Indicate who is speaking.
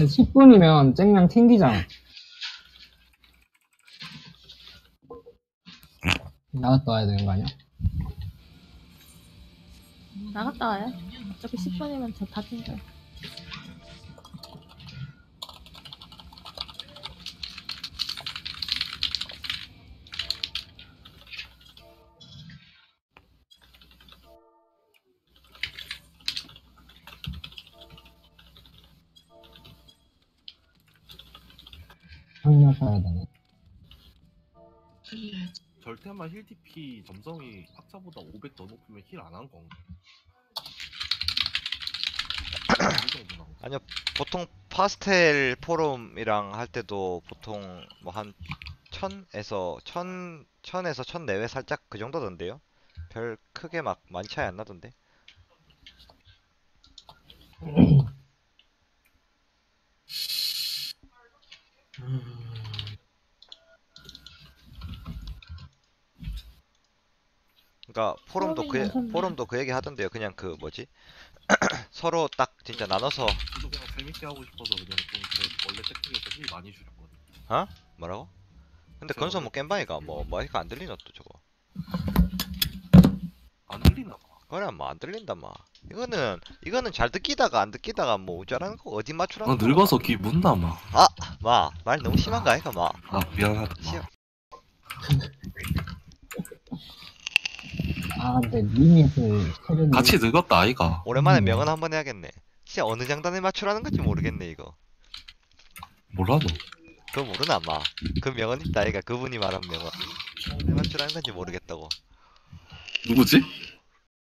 Speaker 1: 근데 10분이면 쨍냥 튕기잖아. 나갔다 와야 되는 거 아니야?
Speaker 2: 나갔다 와요. 어차피 10분이면 저 다 튕겨요.
Speaker 1: 확인할 가야 되네.
Speaker 3: 절대만 힐 DP 점성이 학자보다 500 더 높으면 힐 안 한 건가? 이 정도 나오죠.
Speaker 4: 아니요, 보통 파스텔 포럼이랑 할 때도 보통 뭐 한 1000에서 1000에서 1000 내외 살짝 그 정도던데요? 별 크게 막 많이 차이 안 나던데. 그러니까 포럼도 그 얘기 하던데요. 그냥 그 뭐지? 서로 딱 진짜 나눠서.
Speaker 3: 저도 그냥 재밌게 하고 싶어서 그냥 좀 제 원래 세팅에서 힐 많이 줄였거든요.
Speaker 4: 어? 뭐라고? 근데
Speaker 3: 제가
Speaker 4: 건설
Speaker 3: 원래
Speaker 4: 뭐 겜방이가 뭐 마이크 안 들리노 또 저거.
Speaker 3: 안 들리나 봐.
Speaker 4: 그래 뭐 안 들린다 마. 이거는 잘 듣기다가 안 듣기다가 뭐 우짜라는 거 어디 맞추라는 거.
Speaker 3: 늙어서 귀 문다 마.
Speaker 4: 마, 말 너무 심한 거 아이가 마.
Speaker 3: 미안하다 마.
Speaker 4: 심-
Speaker 1: 아, 근데 리밋을 체력이.
Speaker 3: 같이 늙었다 아이가.
Speaker 4: 오랜만에 명언 한번 해야겠네. 진짜 어느 장단에 맞추라는 건지 모르겠네 이거.
Speaker 3: 몰라도.
Speaker 4: 그거 모르나 마. 그 명언 있다 아이가 그분이 말한 명언. 어느 장단에 맞추라는 건지 모르겠다고.
Speaker 3: 누구지?